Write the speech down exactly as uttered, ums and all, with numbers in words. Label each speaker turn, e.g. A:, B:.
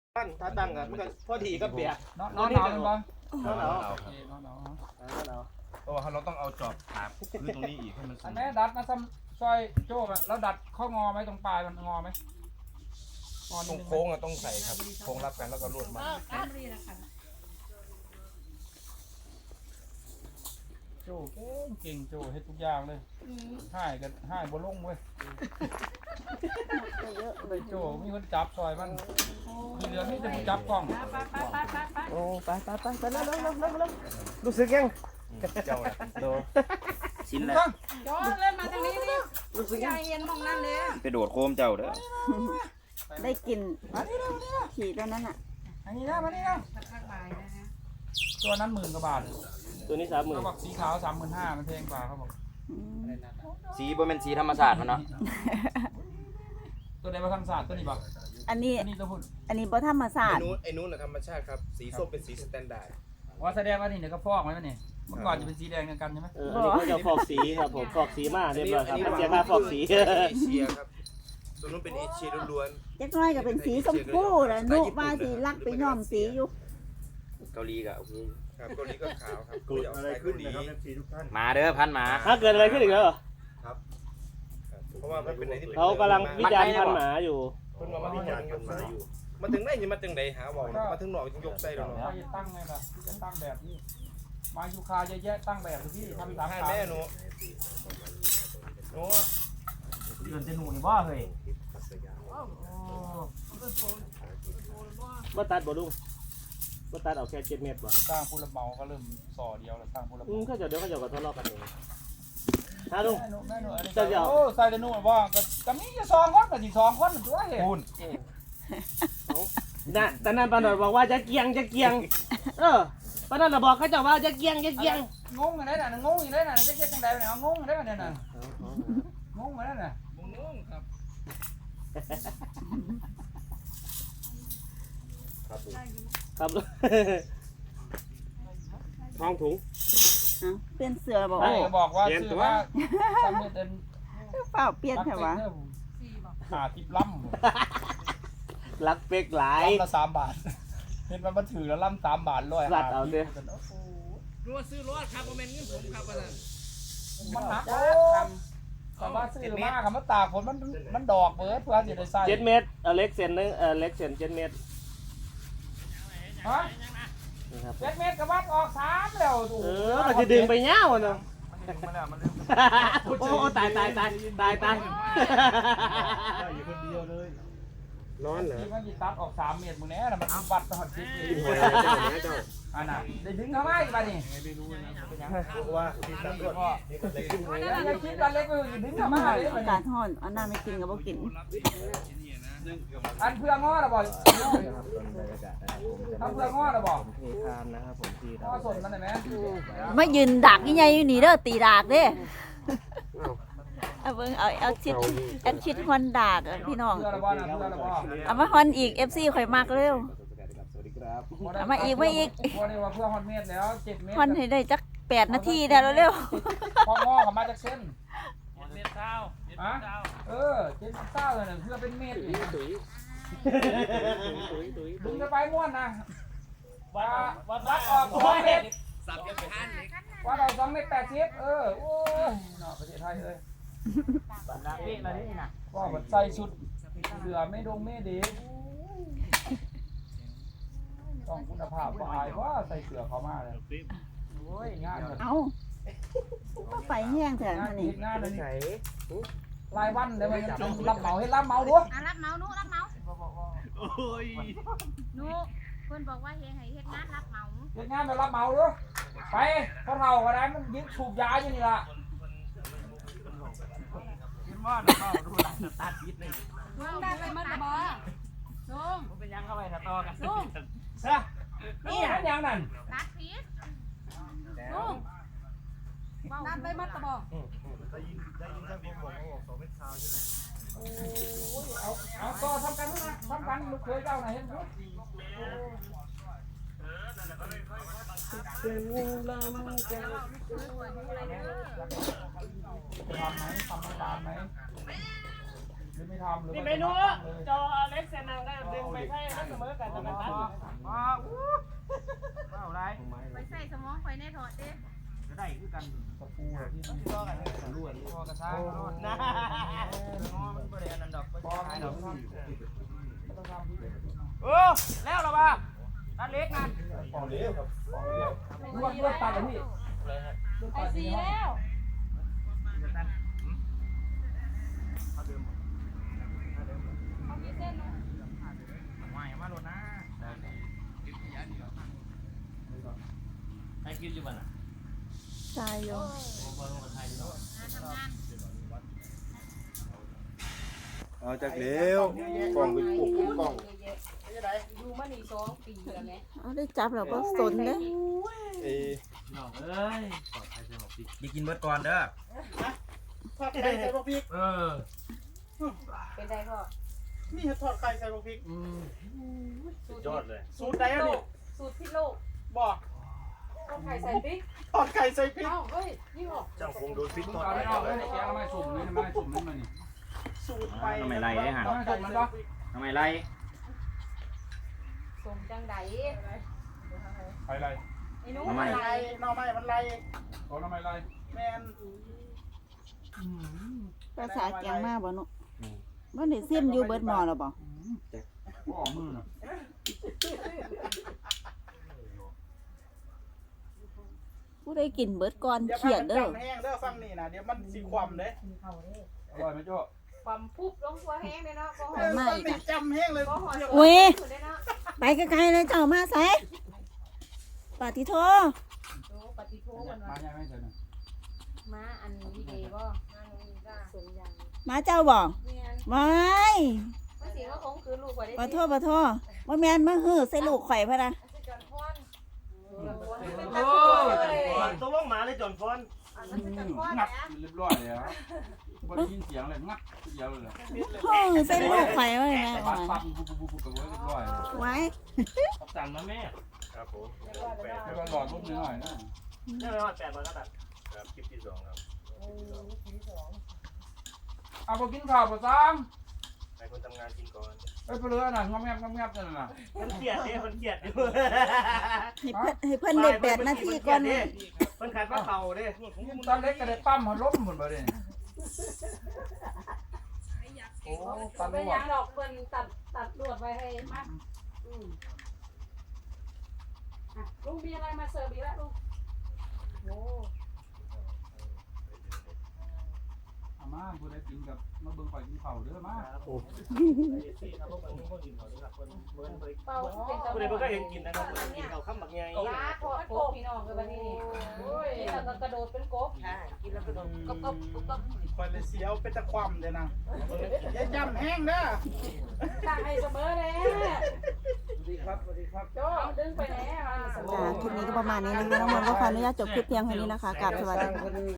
A: ปั้นถ้าตั้งกันมันก็พอดีกับเบียร์
B: นอนนอนหนาวเป็นบ่
A: นอนหนาว
B: โอเคนอนหนาว
A: นอนหนาว
C: เพราะว่าเราต้องเอาจอบถามพื้นตรงนี้อีกให้มันสู
B: อัน
C: ง
B: แม่ดัดมาซ้ำซอยโจ้อะแล้วดัดข้องอไหมตรงปลายมันงอไหมงอ
C: ต
B: นิ
C: ร
B: ด
C: ง
B: นึง
C: โค้งอะต้องใส่ครับโค้งรับกันแล้วก็ลวดมา
B: โจ้เก่งเก่งโจ้เฮ็ดทุกอย่างเลยให้กันให้บ่ลงเว้ยเลยโจ้มีคนจับซอยมันคือเหลือนี่จะจับกล้อง
A: โอ้ไปไปไปไปแล้วแล้วแล้วแล้วรู้สึกยัง
C: เจ้าน่ะ
A: โด
C: ชิ้นแรก
B: ตั้ง
D: จอดเล่นมาทางนี้นี่
A: รู้สึกยัง
D: ยายเย็นมองนั่นเลย
C: ไปโดดโคมเจ้าเด้อ
E: ได้กลิ่น
B: มานี่นะมานี่นะ
E: ขี่ตัวนั้นอ่ะ
B: อันนี้นะมานี่นะ
D: สักพักบ่ายนะฮะ
B: ตัวนั้นหมื่นกว่าบาท
A: ตัวนี้สามหมื่น
B: เขาบอกสีขาวสามหมื่นห้ามันแพงกว่าเขาบอก
E: อืม
C: สีบ่เป็นสีธรรมชาติมันเนาะ
B: ตัวใดมาทำศาสตร์ตัวนี้บอก
E: อันนี้
B: อันนี้ตัวพุ่น
E: อันนี้บ่ธรรมศาสต
F: ไอ้
E: ร์
F: นู้นไอ้นู้นน่ะธรรมชาติครับ สีส้มเป็นสีสแตนดาร์ด
B: ว่าแสดงว่านี่เดี๋ยวก็ฟอกไหมวะนี่เมื่อก่อนจะเป็นสีแดงกันใช่ไหม
A: เอออันนี้เขาจะฟอกสีครับผมฟอกสีมาเรียบร้อยครับเสียค่าฟอกสี
F: เอเชียครับตัวนู้นเป็นเอเชียล้วน
E: จักหน้อยก็เป็นสีชมพูแล้วนุว่าสีลักไปย้อมสีอยู่
C: เกาหลีก็โอเค
F: ๆครับตัวนี้ก็ขาวครับตัวนี้ออกไปขึ้นดี
C: มาเด้อพันหมา
A: ถ้าเกิดอะไรขึ้นอีกแล้วเหรอ
F: ครับเพราะว่ามันเป็นอะไรที่
A: เขากำลังวิจารณ์พันหมาอยู่
F: เพิ่นว่ามาวิจารณ์กันมาอยู่มาถึงไหนยังมาถึงไหนหาบอกมาถึงหนอกยังยกใจเรา
B: ใคร
F: เนาะ
B: จะตั้งไงล่ะที่จะตั้งแบบนี้ มายูคาเยอะแยะตั้งแบบที่ทำสาม
F: ให้
B: ขา
F: แม่หนูหนู
B: เดือนจะหนูนี่บ่เฮ้ย
A: ว่าตัดบ่ลุงว่าตัดเอาแค่เจ็ดเมตรบ่
B: สร้างผู้รับเหมาก็เริ่มส่อเดียวแล้วสร้างผู้รับเห
A: อื
B: มาม
A: เขาจะเดี๋ยวเขาจะก็ทะเลาะกันเองฮะลุง
B: แม่หนูแม่หนูอันนี้
A: จะเดี๋ยว
B: โอ้ใส่แต่หนูบ่ก็ก็มีจะสองคนก็สิสองคนตัวเห็น
C: พูน
A: น่ะตอนนั้นปานนบอกว่าจะเกียงจะเกียง เออปานนั้นน่ะบอกเขาเจ้าว่าจะเกียงจะเกียง
B: งงอยู่ได้น่ะงงอยู่ได้น่ะจะเจ๊จังได๋เนี่ยงงอยู่ได้น่ะน่ะงงอยู่ได้น่ะ
F: งงครับ
A: ครับลุงทองถุง
E: เอ้าเปลี่ยนเสื้อบอก
B: ไอ้
E: โอ้
B: ก็บอกว่าซื้อว่าสามเม็ดเดิน
E: เปล่าเปลี่ยนแค่ว่า
B: หาทิปล่ำ
A: รักเป็กหลาย
B: ล่ำละสามบาทเห็นมันมาถือแล้วล่ำสามบาทร้อย
A: สัตว์เอาดิ
F: รู้ว่าซื้อรถครับโมเมนต์นี้ผมครับว่า
B: มันหนักโอ้แต่ว่าซื้อมากับมันตากฝนมันมันดอกเบิดเพื่อจะได้ใส่
A: เจ็ดเมตรเอาเล็กเซนนึงเออเล็กเซนเจ็ดเมตร
B: ฮะ
A: นี่ครับ
B: เจ็ดเมตรกับวัดออกสามแล้วโอ้
A: เอ
B: โห
A: อมันจะดึงไปเงาเนาะ
B: มันดึงมาแล้วมันดึง
A: โอ้โหตายตายตายตายตาย
C: อยู่คนเดียวเลย
A: ร้อนเหรอ
B: ที่มันจิตัดออกสามเมตรมึงแน่น่ะมันวัดตอนสิบปีอันน่ะได้ดึงเข้ามาอีกป่ะนี่
F: ว่าที่ตั้งรถนี่ก็เลยขึ้น
B: อันนั้นยังคิดกันเล็กไปอยู่ดึงเข้ามาเลย
E: อากาศร้อนเอาน้ำไม่กินก็บ่กิน
B: อันเพื่องอหรอบอกทำเพื่องอหรอบอก
A: เททานนะครับผมที่
B: งอสดมันได้ไหม
E: มายืนดักใหญ่ๆอยู่นี่เด้อตีดากเด้เอาเบิ่งเอาเอาชิดแอดชิดฮอนดากอะพี่น้อง
B: เพื่อหรอบอกนะเพื่อหรอบอก
E: เอามาฮอนอีก เอฟ ซี ข่อยมักเร็ว เอามาอีกมาอีก
B: พอได้ว่าเพื่อฮอนเมตรแล้วเจ็ดเมตร
E: ฮอนให้ได้จักแปดนาทีได้แล้วเร็ว
B: พองอกับมาจากเส้นเมตรเก้าฮะเออเจ็ดเก้าเลยนะเพื่อเป็นเมตรอีก
A: ตุ๋ยตุ๋ยตุ๋ย
B: มึงจะไปม้วนนะว่าวัดออกสองเมตร
F: สับกันไปห้านเลย
B: วัดออกสองเมตรแปดสิบเออโอ้ยเนาะประเทศไทยเลยว่ามันใส่ชุดเสือไม่ดงไม่ดีต้องคุณภาพก็อายว่าใส่เสือเขามาเลยโอ้ยงานแบบ
E: เอาก็ไฟแห้งแท้
B: งาน
E: นี่
B: อีกงานหนึง
A: ใส่
B: รายวันเดี๋ยวมันรับเหมาให้รับเหมาดู
D: อ่ะรับเมาหนูรับเมาหนูเพิ่นบอกว่าเฮ็ดให้เฮ็ดงานรับเมา
B: เฮ็ดงานไปรับเหมาดูไปพอเท่าก็ได้มันยึดสูบยาอยู่นี่ล่ะ
D: ลุงได้ไปมัดบ่ลุง
B: เป็นยังเข้าไปถ้าต่อกัน
D: ลุง
B: ซะนี่หันยังนั่น
D: ตัดพีชลุงนัดไปมัดบ่
B: เอาเอาต่อทำกันนะทำกันลูกเคยเจ้าไหนเห็นไหม
A: เป็นลำแก้ว
B: ทำไหมทำน้ำตาลไหมหรือไม่ทำหรือ
A: นี่เมนูจอเล็กเซนังก็ดึงไปให้มันเสมอกันแต่มันตัดว้าวว้าวไร
D: ไปใส่สมองไปในถอดดิ
A: จะได้คือกัน
B: ตะปูที่มันก็กันล้วนพอกระซ้าง
A: นะ
B: มันบริเวณนั้นดอกพอไม่ดอกต้องทำที่
A: เออแล้วหรอป่ะตัดเล็กนะ
F: ของเลี้ยวครับของเลี้ยว
B: ล้วนล้วนตัดเลยพี่
D: ไอซีแล้ว
A: ไม่มาโดนนะให้กินอยู่บ้านอ่ะ
E: ตายอยู่
F: เอาจากเลี้ยวกล่องเป็นปุกกล่อง
D: ดูมานี่สองปีแล้วแม่
E: เอาได้จับแล้วก็สนเด้
F: เอ้
A: น้องเอ้ย
C: อย่ากินเบิดก่อนเด้อ
G: ทอดไข่ใส่พวกพริก
A: เออ
D: เป็นไงพ่อ
G: นี่ทอดไข่ใส่พวกพริก
A: สุดยอดเลย
G: สูตรใดอันนี้
D: สูตรพิษโลก
G: บอก
D: ต้มไข่ใส่พริก
G: ทอดไข่ใส่พริก
D: เอ้าเฮ้ยนี่บอก
F: จังคงโดนพิษ
B: มึง
F: ต่อ
B: เอา
F: ไป
B: ได้ออกเลยแกงไม่สุ่มเลยไม่สุ่มนี่มันนี่
G: สูตรไป
C: ทำไมไรได้หัน
G: ทอดไข่ใส่พริก
C: ทำไมไร
D: สมจังได
B: ไปไร
D: ไอ้หนู
G: มัน
D: อะไร
G: ไรหน่อไม้มันไร
B: ขอทำไมไร
G: แมน
E: ภาษาแกงมาบ่หนุบ่ได้ซิมอยู่เบิดหม้อแล้วบ่
B: ก็ออกมือน่ะ
E: ผู้ใดกินเบิดก่อน
G: อย่า
E: เขี
G: พาย
E: ด
G: มัน
E: เด้อ
G: จำแห้งเด้อฟังนี่นะเดี๋ยวมันสิความเด้
B: อร่อยไหมโจ้
D: ความปุ๊บลงตัวแห้งเลยเนาะก็ห
G: เอ
D: อ
G: อ
D: ม
G: ฟังนี่จำแห้งเลย
D: ก็หอม
E: อุ้ย
D: สุดเลยเนาะ
E: ไปไกลๆเลยเจ้ามาใส่ปาติโท
D: โอ้ปฏิโทษมัน
B: มา
D: ว่า
B: ยังไม่เสร็จนะ
D: มาอันนี้ดีบ่สมยัง
E: มาเจ้าบ่
D: เมียน
E: ไม่
D: มาสิว่าคงคือลูกกว่าได้
E: ปาโทปาโทบ่แม่นมาฮื้อใส่ลูกข่อยพะนะ
D: สิจอนพรเป็น
A: โอ้
D: ตะกั่วเลย
A: ยตัวลงมาเลยจอนฟอน
D: อันนั้นสิจอนพร
B: งับ
D: นะ
B: เรียบร้อยเลยครับไม่ได้ยินเสียงเลยงับเดียวเลย
E: ฮื้อใส่ลูกข่อยไว้แม่
B: ปั
E: ว่า
B: ดปัดปุ๊บปุ๊บปุ๊บปุ๊บเรียบร้อย
E: ไว้
A: สั่งมาแม่
F: ครับผม
B: แล้วก็หลอดลูกนิดหน่อยนะ
A: ได้ไหมว่าแปดบาทก็ตัด
F: ครับคลิปที่สองครับ
B: เอาไปกินข้าวประซัง
F: ให้คนทำงานกินก่อน
B: ไอ้เปลือกน่ะงอมแงบงอมแงบนั่นน่ะ
A: มันเกลียดเนี่ยมันเกลียดอยู่
E: ให้เพิ่นให้เพิ่นได้แปดนาทีก่อน
A: มันขัดว่าเข่าเด้
B: ตอนเล็กก็ได้ปั้มหัวล้มหมดเลยโอ้ตัน
D: เป็น
B: หัว
D: ยังดอกเพิ่นตัดตัดลวดไว้ให้มาอืมอ่ะลุงมีอะไรมาเสิร์ฟอีกแล้วลุงโอ้
B: อามาบุได้กินกับมาเบิ่งข่อยกินข้าวเด้อมา
A: โอ้ที่ครับพวกมันพวกกินเขาครับคนเบิ้ลเบิ้ล
D: เป่าเป็นตะ
A: ผู้ใดเพิ่งก็เห็นกินนะครับกินเขาข้ามบักไง
D: ยาทอดโกบพี่น้องเลยวันนี้โอ้ยแล้วก็กระโดดเป็นกบค่ะกินแล้วกระโดดกบกบกบกบ
G: คอยเลยเสียวเป็นตะความเด้นะอย่าจำแห้งเด้อ
D: ตั้งให้เสมอเลย
B: สวัสดีครับสวัสดีครับ
D: โจ้ดึงไปไหนอ่ะ
E: จ้าคลิปนี้ก็ประมาณนี้นะคะน้องมนต์ก็ขออนุญาตจบคลิปเพียงเท่านี้นะคะกราบสวัสดีค่ะ